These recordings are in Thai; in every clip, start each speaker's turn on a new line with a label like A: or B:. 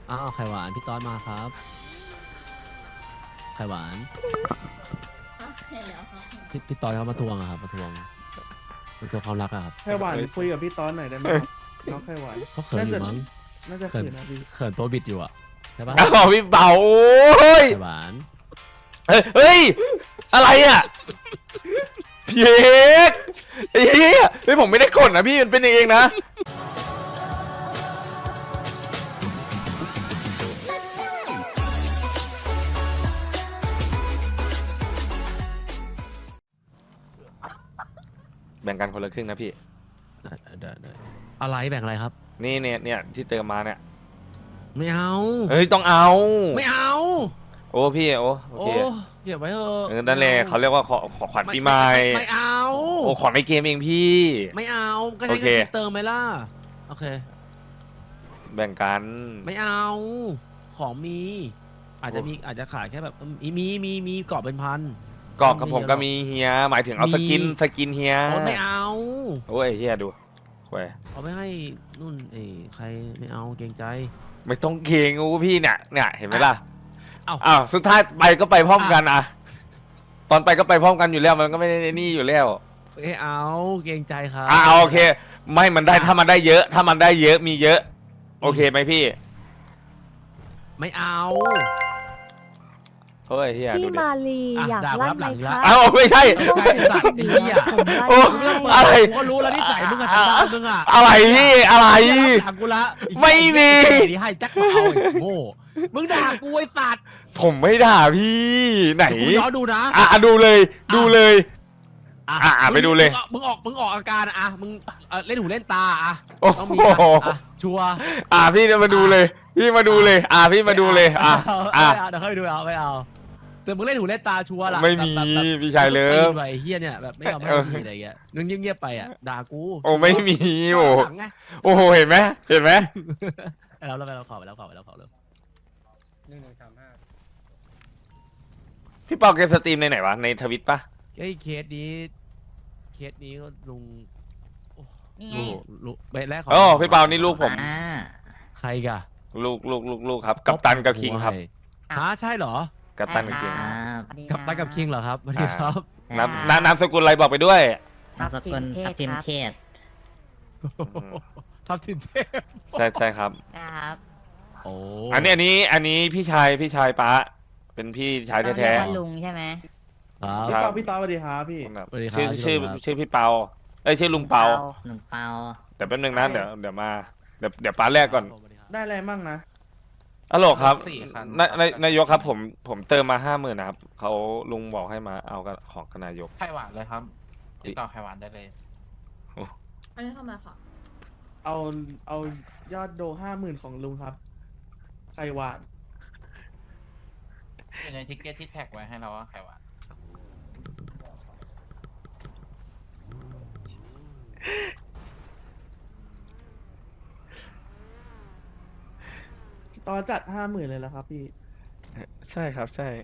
A: อ้าวไข่หวานพี่ต๊อดมาครับไข่หวาน
B: เห็นแล้วครับ
A: พี่ต๊อดเขามาทวงอะครับมาทวงความรักอะครับ
C: ไข่หวานคุยกับพี่ต้อนหน่อยได้ไหมครับน้องไข่หวาน
A: เขาเขินอยู่มั้ง
C: น่าจะ
A: เขิน
C: เขินนะพี่
A: เขินตัวบิดอยู่อะใช่ปะ
D: อ้าวพี่เบาโอ้ย
A: ไข่หวาน
D: เฮ้ยอะไรอ่ะพี่เอกไอ้เหี้ยเฮ้ยผมไม่ได้กดนะพี่มันเป็นเองนะแบ่งกันคนละครึ่งนะพี่
A: ได้อะไรแบ่งอะไรครับ
D: นี่เนี่ยที่เติมมาเนี่ย
A: ไม่เอา
D: เฮ้ยต้องเอา
A: ไม่เอา
D: โอ้พี่โอเค
A: เก็บไว้เถอะ
D: นั่นแหละเขาเรียกว่าขอขวัญปีใหม่
A: ไม่เอา
D: โอ้ขอในเกมเองพี่
A: ไม่เอาก็ใช้
D: โอเค
A: เงินเติมไหมล่ะโอเค
D: แบ่งกัน
A: ไม่เอาของมีอาจจะขายแค่แบบมีกรอบเป็นพัน
D: กรอบกับผมก็มีเฮียหมายถึงเอาสกินเฮีย
A: ไม่เอา
D: โอ้ยเฮียดูโว้ย
A: เอาไปให้นุ่นใครไม่เอาเกรงใจ
D: ไม่ต้องเกรงกูพี่เนี่ยเห็นไหมล่ะ
A: เอ้า
D: อ้าวสุดท้ายไปก็ไปพร้อมกันอะตอนไปก็ไปพร้อมกันอยู่แล้วมันก็ไม่ได้นี่อยู่แล้ว
A: ไม่เอาเกรงใจครับ
D: เอาโอเค ไม่มันได้ถ้ามันได้เยอะ ถ้ามันได้เยอะมีเยอะ โอเคไหมพี่
A: ไม่เอา
D: เฮ้ยเฮีย
E: พี่
D: ดูดิ
E: มาลีอยากลั่นไหมคะ
D: อ้าวไม่ใช่
A: ใช่สัตว์ไอ้เหี้ย
D: โอ้ อะไร
A: กูก็รู้แล้วนิสัยมึงอะทำบ้านมึงอะ
D: อะไรพี่อะไร
A: ด่ากูละ
D: ไม่มี
A: นี่ให้แจ็คมาเอาไอ้โง่มึงด่ากูไอ้สัตว์
D: ผมไม่ด่าพี่ไหน
A: กูย้อนดูนะ
D: ดูเลยไปดูเลย
A: มึงออกอาการอะมึงเล่นหูเล่นตาอะ
D: โอ้
A: ต้อง
D: โห
A: มีอะชัวร์
D: พี่มาดูเลย พี่มาดูเลย พี่มาดูเลย
A: เดี๋ยวค่อยไปดูไม่เอาแต่มึงเล่นหูเล่นตาชัวร์ล่ะ
D: ไม่มีพี่ชายเลิฟ
A: ไอ้เฮียเนี่ยแบบไม่ยอมให้ทีอะไรเงี้ยนึงเงียบๆไปอะด่ากู
D: โอ้ไม่มีโอ้
A: หลังไง
D: โอ้โหเห็นไหม
A: เราขอไปแล้วเลย
D: พี่เปาเกมสตรีมในไหนวะในทวิตปะ
A: ไอ้เคสนี้ก็ลุง
B: นี่ไง
A: ลูกแรก
D: โอ้พี่เปานี่ลูกผม
A: ใครกะ
D: ลูกครับกัปตันกับคิงครับ
A: ใช่เหรอ
D: กัปตันกับคิง
A: กับตันกับคิงเหรอครับสวัสดีครับ
D: นามสกุลอะไรบอกไปด้วย
F: นามสกุลทับทิมเทศ
A: ทับทิมเทพ
D: ใช่ครับ
B: ครับ
A: โอ้
D: อันนี้พี่ชายป้าเป็นพี่ชายแท้
B: เรียกว่าลุงใช่ไหม
A: ครับ
C: พี่ต้อนสวัสดีครับพี่
A: สวัสดีครับ
D: ชื่อพี่เปาชื่อลุงเปา
F: หนุ่มเปา
D: เดี๋ยวแป๊บนึงนะเดี๋ยวมาเดี๋ยวป้าแรกก่อน
C: ได้อะไรมั่งนะ
D: ฮัลโหลครับนายกครับผมเติมมา50,000นะครับเขาลุงบอกให้มาเอากันของกับนายก
G: ไข่หวานเลยครับติดต่อไข่หวานได้เลย
B: อันนี้เข้ามาค่ะ
C: เอายอดโด50,000ของลุงครับไข่หวาน
G: อยู่ในทิกเก็ตที่แท็กไว้ให้เราว่าไข่หวาน
C: ตอนจัด50,000เลยแล้วครับพี่
D: ใช่ครับใช่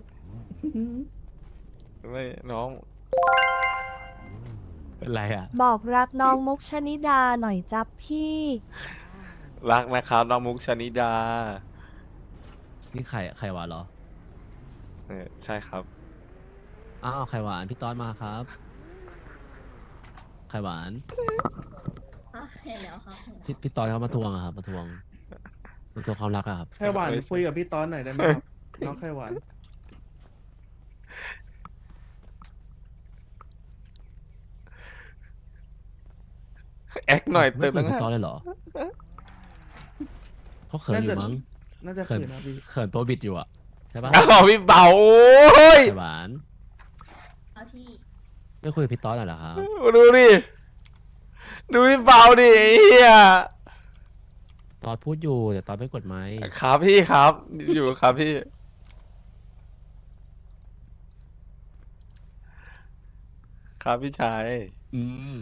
D: ไม่น้อง
A: เป็นไรอ่ะ
E: บอกรักน้องมุกชนิดาหน่อยจับพี่
D: รักนะครับน้องมุกชนิดา
A: นี่ไข่หวานเหรอ
D: ใช่ครับ
A: อ้าวไข่หวานพี่ต๊อดมาครับไข่หวาน
B: เห็นแล้วครับ
A: พี่ต๊อดเขามาทวงอะครับมาทวงความรักอะครับ
C: ไข่หวานคุยกับพี่ต้อนหน่อยได้ไหมครับน้องไข่หวาน
D: แอคหน่อย
A: ไม่
D: เติม
A: คุย
D: ตั้ง
A: กับพี่ต๊อดเลยเหรอเขาเขินอยู่มั้ง
C: น่าจะเขินนะพี่
A: เขินตัวบิดอยู่อะใช่ปะ
D: อ้าวพี่เบาโอ้ย
A: ไข่หวาน
B: เอาที่
A: ไม่คุยกับพี่ต๊อดหน่อยเหรอครับ
D: ดูดิดูพี่เบาดิไอ้เฮีย
A: ตอดพูดอยู่แต่ตอดไม่กดไม้
D: ครับพี่ครับอยู่ครับพี่ครับพี่ชาย
A: อืม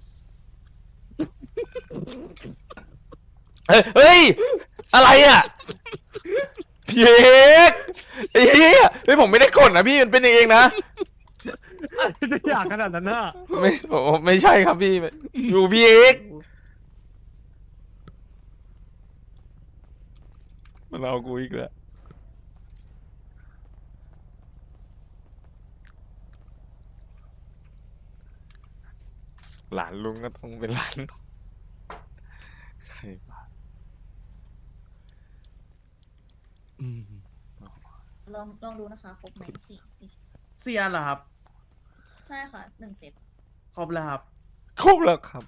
D: เฮ้ยอะไรอ่ะพี่เอกไอ้เหี้ยเฮ้ยผมไม่ได้กดนะพี่มันเป็นเองนะ
A: จะอยากขนาดนั้นน่ะ
D: ไม่ใช่ครับพี่อยู่พี่เอกมันเอากูอีกแล้วหลานลุงก็ต้องเป็นหลานใครวะ
A: อืม
B: ลองดูนะคะครบไหมสี่
C: เซียนเหรอครับ
B: ใช่ค่ะ1 เซต
C: ครบแล้วครับ
D: ครบแล้วครับ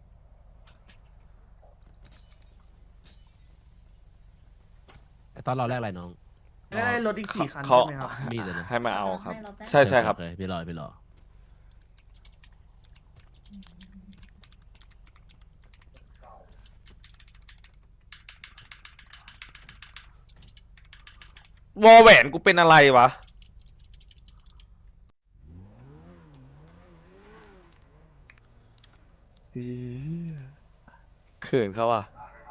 A: ไอ้ตอนเราแรกอะไรน้อง
C: แล้วได้รถอีก4 คัน
D: เขา
C: ใช่ไหมครับ
A: มีดอะนะ
D: ให้มาเอาครับ
B: ให้เราแป๊บ
D: ใช่ใช่ครับ
A: โอเคพี่รอพี่รอ
D: วอแหวนกูเป็นอะไรวะอีเขินเขาอ่ะ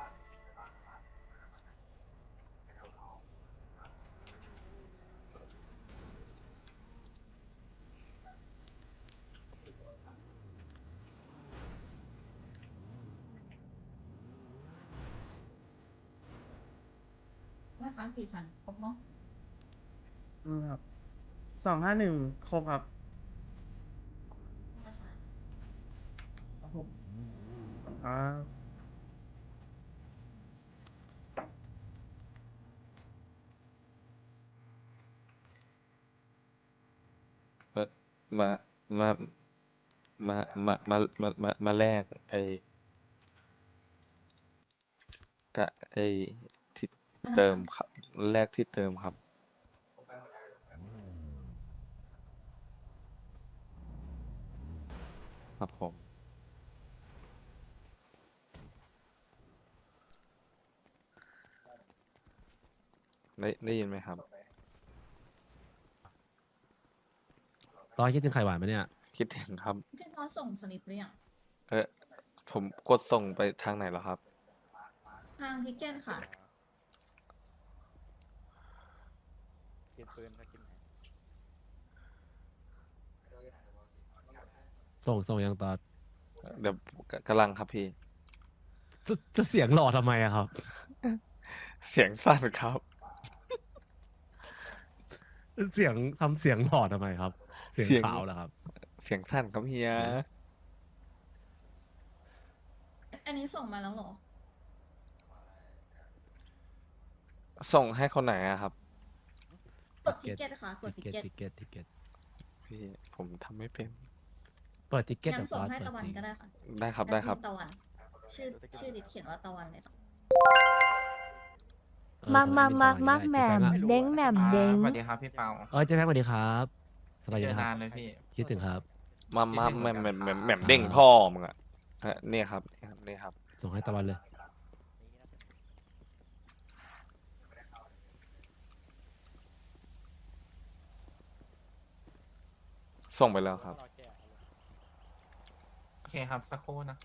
B: แม่ค้า4,000ครบเนาะ
C: ครับ251ครบครับครับผมครับ
D: มามามามาแลกไอ้กะไอ้ที่เติมครับแลกที่เติมครับ ครับผม ได้ยินไหมครับ
A: ตอนคิดถึงไข่หวานไหมเนี่ย
D: คิดถึงครับ
B: พี่น้อยส่งสลิปหรือยัง
D: ผมกดส่งไปทางไหนแล้วครับ
B: ทางทิกเก็ตค่ะ
A: ส่งยังตอน
D: เดี๋ยวกำลังครับพี่
A: จะเสียงหล่อทำไมอะครับ
D: เสียงสั่นครับ
A: เสียงทำเสียงหล่อทำไมครับ เสียง
D: เสียง
A: ขาวเหรอครับ
D: เสียงสั่นครับเฮีย
B: อันนี้ส่งมาแล้วเหรอ
D: ส่งให้คนไหนอะครับ
B: กดทิกเก็ตค่ะกดทิกเก็ต
A: ทิเก็ต
D: พี่ผมทำไม่เป็น
A: เปิดทิเก็ต
B: งั้น
A: แต่
B: ส่ง
A: ตอน
B: ให้
A: เปิด
B: ตะวัน
A: เพลง
B: ก็ได้ค่ะ
D: ได้ครับได้ครับ
B: ตะวัน ชื่อดิดเขียนว่าตะวันเลยค่ะ
A: เออ
E: มา
A: ส่ง
E: มา
A: ให้
E: มา
A: พี่
E: มา
A: ตะวัน
E: แหม่ม
A: ก็ได้
E: เด้งแหม่มเด้ง
G: สวัสดีครับพี่เปา
A: เจ๊แฟงสวัสดีครับสบาย
G: เจ
A: ดี
G: อ
A: นะครั
G: นา
A: บ
G: นเลยพี่
A: คิดถึงครับ
D: มา
G: คิดถึงเหมื
D: แหม่
G: อน
D: ม
G: กัน
D: แหม่ม
G: ครับ
D: แหม่มเด้งพ่อมึงอะเนี่ยครับนี่ครับ
A: ส่งให้ตะวันเลย
D: ส่งไปแล้วครับ
G: โอเคครับ สักครู่นะครับ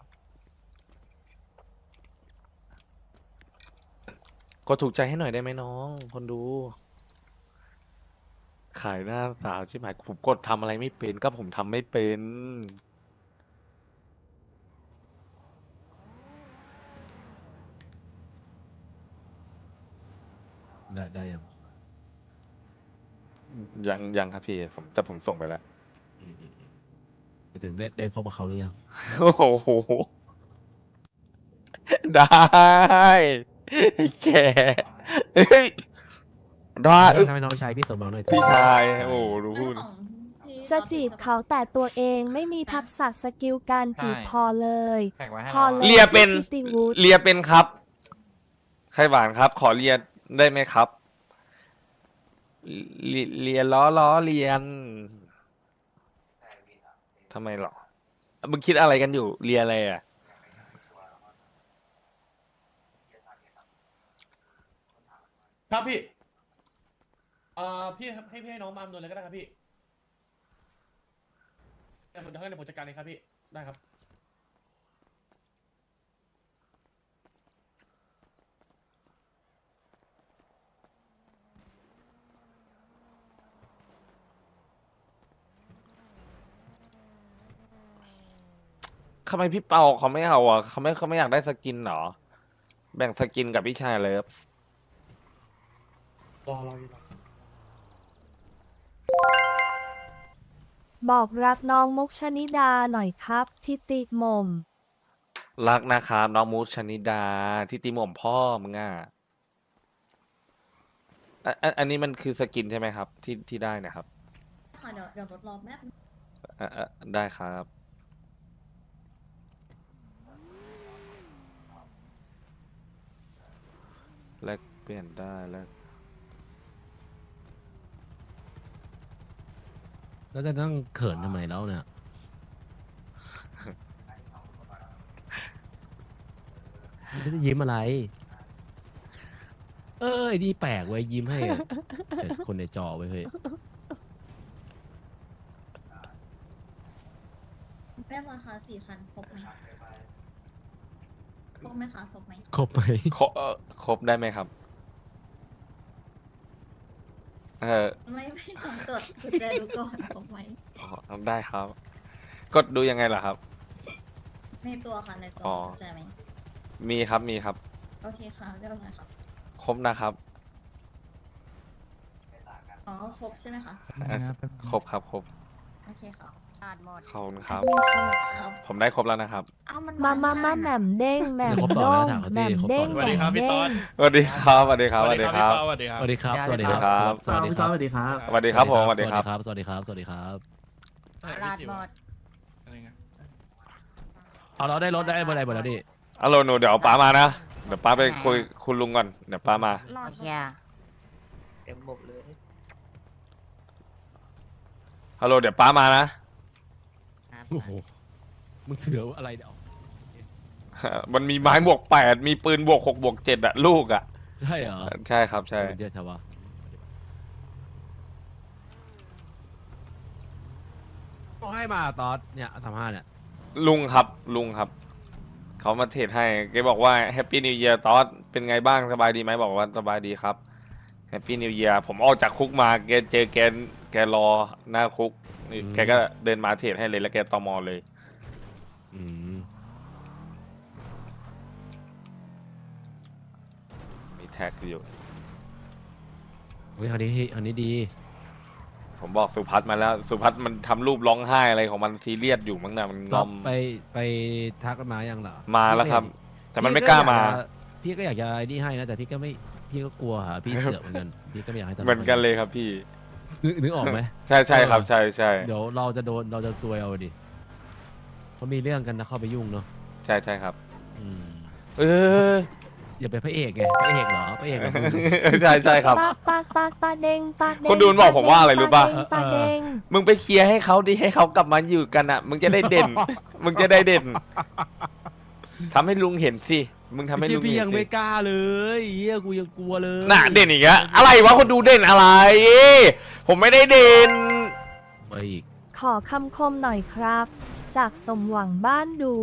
D: กดถูกใจให้หน่อยได้ไหมน้อง คนดู ขายหน้าสาวใช่ไหมผมกดทำอะไรไม่เป็นก็ผมทำไม่เป็น
A: ได้ยัง
D: ยังครับพี่ผมส่งไปแล้ว
A: ไปถึงได้พบกับเขาหรือยัง
D: โอ้โห ได้ไอ้แกเอ้ยได้
A: ทำไมน้องชายพี่สมหวังหน่อย
D: พี่ชายโอ้โหดูพูด
B: แล้วของพี่
E: จะจีบเขาแต่ตัวเองไม่มีทักษะสกิลการจีบ
G: ใช่
E: พอเลย
G: แท็กไว้ให้
E: พอ
G: เรา
E: เล
G: อะ
E: ย
D: เลียเป็น
E: พี่ทิติวุฒิ
D: เลียเป็นครับไข่หวานครับ ขอเลียได้ไหมครับเลียล้อเลียนทำไมหรอมึงคิดอะไรกันอยู่เลียอะไรอ่ะ
C: ครับพี่พี่ให้น้องมาอำนวยเลยก็ได้ครับพี่เดี๋ยวผมจัดการเองครับพี่ ได้ครับ
D: ทำไมพี่เปาเขาไม่เอาอ่ะเขาไม่อยากได้สกินเหรอ แบ่งสกินกับพี่ชายเลย
C: รออยู่
E: บอกรักน้องมุกชนิดาหน่อยครับทิติหม่ม
D: รักนะครับน้องมูชนิดาที่ตีหม่อมพ่อมึงอ่ะอันนี้มันคือสกินใช่ไหมครับที่ได้นะครับ
B: ค่ะเดี๋ยวรถรอแป๊บ
D: ได้ครับแลกเปลี่ยนได้แล้ว
A: แล้วจะต้องเขินทำไมแล้วเนี่ยมันจะยิ้มอะไร ไอ้นี่แปลกเว้ยยิ้มให้อะแต่คนในจอไว้ยเฮ้ย
B: แป๊บราคา4 คันครบไหมครบไหมคะครบไหม
A: ครบไหม
D: ครบได้ไหมครับ
B: ไม่ลองตรวจกุญแจดูก่อนครบไหม
D: ได้ครับ กดดูยังไงล่ะครับ
B: ในตัวค่ะในตัว
D: อ๋อ
B: กุญแจไหม
D: มีครับมีครับ
B: โอเคค่ะเรียบร้อยค่ะ
D: ครบนะครับ
B: อ๋อครบใช่ไหมคะ
D: ครบครับครบ
B: โอเคค่ะอ่านหมด
D: ขอบคุณครับ
B: ครับ
D: ผมได้ครบแล้วนะครับ
B: เอามัน
E: มาแหม่มเด้งแหม่ม
A: ครบต่อ
E: โด้
A: แล้ว
E: ง
A: ถามเขา
E: แห
A: สิ
E: ม่ม
A: ครบ
E: เด้
A: ต่อง แล้ว
E: แหม่มเด้ง
D: สวัสดีครับสวัสดีครับสวัสดีครับ
A: สวัสดีครับ สวัสดีครับ
D: สวัสดีครับ
A: สวัสดีครับ
C: สวัสดีครับ
D: สวัสดีครับผมสวัสดีครับ
A: สวัสดีครับ สวัสดีครับ
B: ลาดหมด
A: เอาเราได้รถได้บนไหนหมดแล้วดิ
D: ฮัลโหลหนูเดี๋ยวป้ามานะ เดี๋ยวป้าไปคุยคุณลุงก่อน เดี๋ยวป้ามา
F: โอเค
G: เต็มบบเลย
D: ฮัลโหลเดี๋ยวป้ามานะ
F: ครับ
A: โอ้โห มึงถืออะไรเดี๋ยว
D: มันมีไม้บวก8 มีปืนบวก6 บวก 7อะลูกอะ
A: ใช่เหรอ
D: ใช่ครับใช่
A: เดี๋ยวเถอะวะก็ให้มาตอนเนี่ย35เนี่ย
D: ลุงครับลุงครับ เขามาเทรดให้แกบอกว่าแฮปปี้นิว e ย r ตอสเป็นไงบ้างสบายดีไหมบอกว่าสบายดีครับแฮปปี้นิว e ย r ผมออกจากคุกมาแกเจอแกรอหน้าคุกนี่แกก็เดินมาเทรดให้เลยแล้วแกตมเลย
A: อืม
D: มีแท็กอยู่
A: เฮ้ยคราวนี้ดี
D: ผมบอกสุพัฒน์มาแล้ว สุพัฒน์มันทำรูปร้องไห้อะไรของมันซีเรียสอยู่มั้งนะมันง
A: เรา
D: อม
A: ไปทักกันมายังเหรอ
D: มาแล้วครับ แต่มันไม่กล้ามา
A: พี่ก็อยากจะไอ้นี่ให้นะแต่พี่ก็กลัวหาพี่เสือกเหมือนกันพี่ก็ไม่อยากให้ทำ
D: เหมือนกันเลยครับพี่
A: นึกออกไหม
D: ใช่ใช่ครับใช่ใช่
A: เดี๋ยวเราจะซวยเอาดิเขามีเรื่องกันนะเข้าไปยุ่งเนาะ
D: ใช่ใช่ครับ
A: อืม
D: เออ
A: อย่าไปนพระเอกไงพระเอกเหรอพระเอกเหรอ
D: ใช่ใช่ครับ
E: ปากเด้งปากเด้ง
D: คนดูมันบอกผมว่าอะไรรู้ป่ะ
E: ปากเด้ง
D: มึงไปเคลียร์ให้เขาดิให้เขากลับมาอยู่กันอ่ะ มึงจะได้เด่น มึงจะได้เด่นทำให้ลุงเห็นสิมึงทำให้ลุง
A: พี่
D: เห็
A: ยัง
D: น
A: ไม่
D: สิ
A: กล้าเลยเฮียกูยังกลัวเลย
D: น่ะเด่นอีกอะอะไรวะคนดูเด่นอะไร ผมไม่ได้เด่น
A: ไปอีก
E: ขอคำคมหน่อยครับ จากสมหวังบ้านดู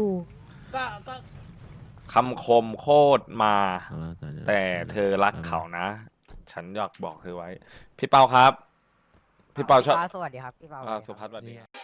D: คำคมโคตรมา
A: แต่
D: แต่เธอรักเขานะ ฉันอยากบอกเธอไว้ พี่เปาครับ พี่เปาชอบ
F: สวัสดีครับพี่เปา
D: สุพัฒน์สวัสดีครับ